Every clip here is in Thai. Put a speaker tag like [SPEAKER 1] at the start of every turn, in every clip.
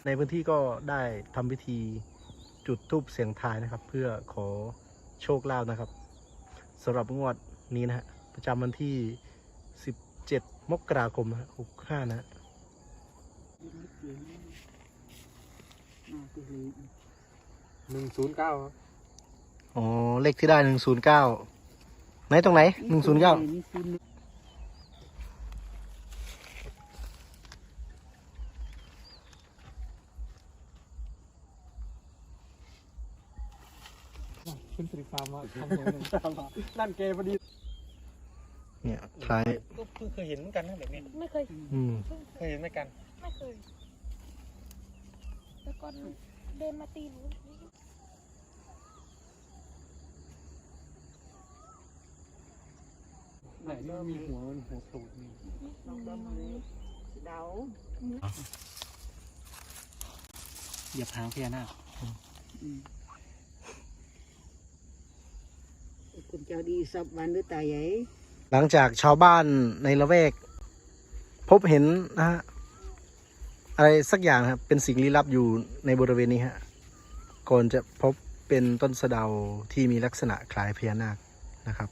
[SPEAKER 1] ในพื้นที่ก็ได้ทำพิธีจุดธูปเสียงทายนะครับ เพื่อขอโชคลาภนะครับสำหรับงวดนี้นะฮะประจำวันที่17 มกราคม65นะฮะ
[SPEAKER 2] 109ครับ
[SPEAKER 1] อ๋อเลขที่ได้109ไหนตรงไหน109
[SPEAKER 2] ขึ้นสิริฟาร์มมาทำตัวหนึ่งนั่นเกย์พอดี
[SPEAKER 1] เนี่ยคล้าย
[SPEAKER 2] ก็เพิ่งเคยเห็นเหมือนกันนะแบบนี้
[SPEAKER 3] ไม่เคย
[SPEAKER 2] เคยเห็นเหมือนกัน
[SPEAKER 3] ไม่เคยแต่ก่อนเดินมาตีหนู
[SPEAKER 2] ไหนนี่มีหัวตูดนี่
[SPEAKER 3] เดา
[SPEAKER 2] อย่าพางพญานาค
[SPEAKER 4] คุณเจ้าดีสับวันหรือตายใหญ่
[SPEAKER 1] หลังจากชาวบ้านในละแวกพบเห็นนะฮะอะไรสักอย่างครับเป็นสิ่งลี้ลับอยู่ในบริเวณนี้ฮะก่อนจะพบเป็นต้นสะเดาที่มีลักษณะคล้ายพญานาคนะครับ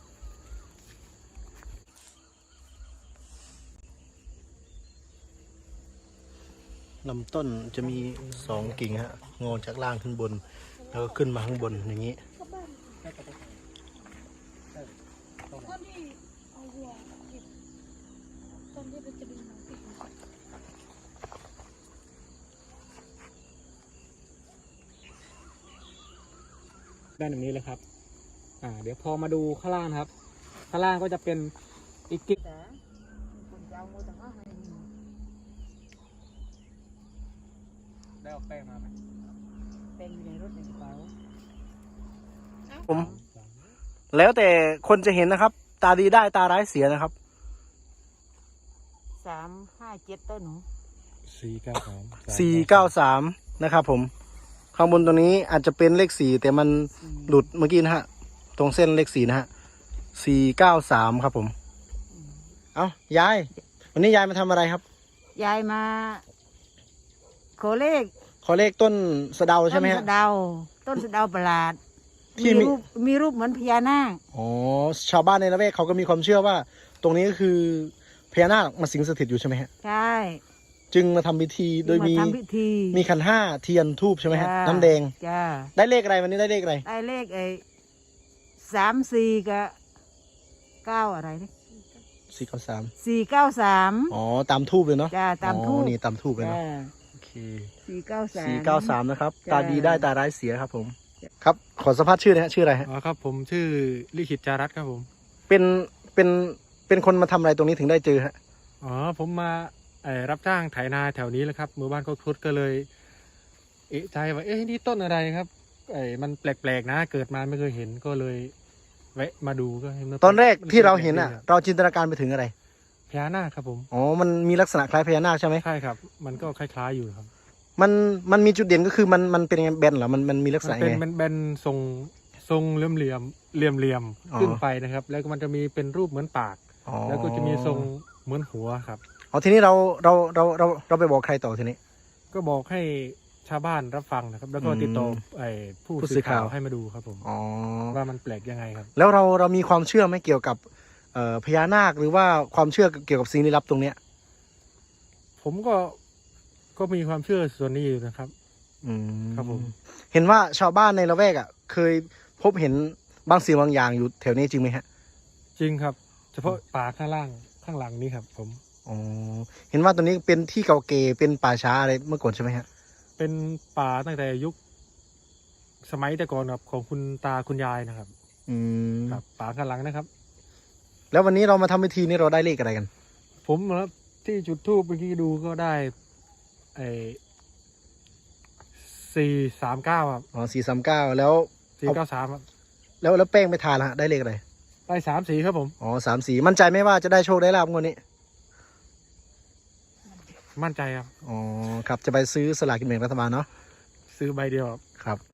[SPEAKER 1] ลำต้นจะมี2 กิ่งฮะงอจากล่างขึ้นบนแล้วก็ขึ้นมาข้างบนอย่างนี้
[SPEAKER 3] คนที่เอาหัวเก็บตอนที่เราจะดึงมาติด
[SPEAKER 2] ด้านนี้เลยครับเดี๋ยวพอมาดูข้างล่างครับข้างล่างก็จะเป็นอีกกิ๊ก
[SPEAKER 4] คุณเจ้าโมตังให้
[SPEAKER 2] ได้ออกแป้งมาไหม
[SPEAKER 4] เป็นอยู่ในรถในกระเป๋า
[SPEAKER 1] ผมแล้วแต่คนจะเห็นนะครับตาดีได้ตาร้ายเสียนะครับ
[SPEAKER 4] 357ต้นหนู
[SPEAKER 1] 493นะครับผมข้างบนตรงนี้อาจจะเป็นเลข4แต่มันหลุดเมื่อกี้นะฮะตรงเส้นเลข4นะฮะ493ครับผมเอายายวันนี้ยายมาทำอะไรครับ
[SPEAKER 4] ยายมาขอเลข
[SPEAKER 1] ต้นสะเดาใช่ไหมฮะ
[SPEAKER 4] ต้นสะเดาประหลาด
[SPEAKER 1] ที่
[SPEAKER 4] มีรูปเหมือนพญานาค
[SPEAKER 1] อ๋อชาวบ้านในละแวกเขาก็มีความเชื่อว่าตรงนี้ก็คือพญานาคมาสิงสถิตอยู่ใช่ไหมฮะ
[SPEAKER 4] ใช่
[SPEAKER 1] จึงมาทำพิธีโดยมีขันห้าเทียนทูบใช่ไหมฮะน้ำแดง
[SPEAKER 4] จ้า
[SPEAKER 1] ได้เลขอะไรวันนี้ได้เลขอะไร
[SPEAKER 4] ได้เลข34กับ9อะไรนี่493
[SPEAKER 1] อ๋อตามทูบเลยเนาะ
[SPEAKER 4] จ้าตามทูบ
[SPEAKER 1] นี่ตามทูบเลยเนาะโอเค
[SPEAKER 4] 493
[SPEAKER 1] นะครับตาดีได้ตาร้ายเสียครับผมครับขอสัมภาษณ์ชื่อนะฮะชื่ออะไรฮะ
[SPEAKER 2] อ๋อครับผมชื่อลิขิตจารัตครับผม
[SPEAKER 1] เป็นคนมาทำอะไรตรงนี้ถึงได้เจอฮะ
[SPEAKER 2] อ๋อผมมารับจ้างไถนาแถวนี้แหละครับหมู่บ้านก็ครุฑก็เลยเอะใจว่านี่ต้นอะไรครับมันแปลกๆนะเกิดมาไม่เคยเห็นก็เลยแวะมาดูก็เห็น
[SPEAKER 1] ตอนแรกที่เราเห็นเราจินตนาการไปถึงอะไร
[SPEAKER 2] พญานาคครับผม
[SPEAKER 1] อ๋อมันมีลักษณะคล้ายพญานาคใช่ไหม
[SPEAKER 2] ใช่ครับมันก็คล้ายๆอยู่ครับ
[SPEAKER 1] มันมีจุดเด่นก็คือมันเป็นแบนเหรอมันมีลักษณะไง
[SPEAKER 2] เป็นแบนทรงเหลี่ยมขึ้นไปนะครับแล้วก็มันจะมีเป็นรูปเหมือนปากแล้วก็จะมีทรงเหมือนหัวครับ
[SPEAKER 1] อ๋อทีนี้เราไปบอกใครต่อทีนี้
[SPEAKER 2] ก็บอกให้ชาวบ้านรับฟังนะครับแล้วก็ติดต่อผู้สื่อข่าวให้มาดูครับผมว่ามันแปลกยังไงครับ
[SPEAKER 1] แล้วเรามีความเชื่อไหมเกี่ยวกับพญานาคหรือว่าความเชื่อเกี่ยวกับสิ่งลี้ลับตรงเนี้ย
[SPEAKER 2] ผมก็มีความเชื่อส่วนนี้อยู่นะครับครับผม
[SPEAKER 1] เห็นว่าชาวบ้านในละแวกเคยพบเห็นบางสิ่งบางอย่างอยู่แถวนี้จริงไหมฮะ
[SPEAKER 2] จริงครับเฉพาะป่าข้างหลังนี้ครับผม
[SPEAKER 1] เห็นว่าตรงนี้เป็นที่เก่าเก่เป็นป่าช้าอะไรเมื่อก่อนใช่ไหมฮะ
[SPEAKER 2] เป็นป่าตั้งแต่ยุคสมัยแต่ก่อนครับของคุณตาคุณยายนะครับครับป่าข้างหลังนะครับ
[SPEAKER 1] แล้ววันนี้เรามาทำพิธีนี้เราได้เลขอะไรกัน
[SPEAKER 2] ผมครับที่จุดธูปเมื่อกี้ดูก็ได้439ครับ
[SPEAKER 1] อ๋อ439แล้ว
[SPEAKER 2] 493ครับ
[SPEAKER 1] แล้วแป้งไปทานละได้เลขอะไร
[SPEAKER 2] ได้34ครับผม
[SPEAKER 1] อ๋อ34มั่นใจไหมว่าจะได้โชคได้ลาภงวดนี้
[SPEAKER 2] มั่นใจครับ
[SPEAKER 1] อ๋อครับจะไปซื้อสลากกินแบ่งรัฐบาลเนาะ
[SPEAKER 2] ซื้อใบเดียว
[SPEAKER 1] ครับ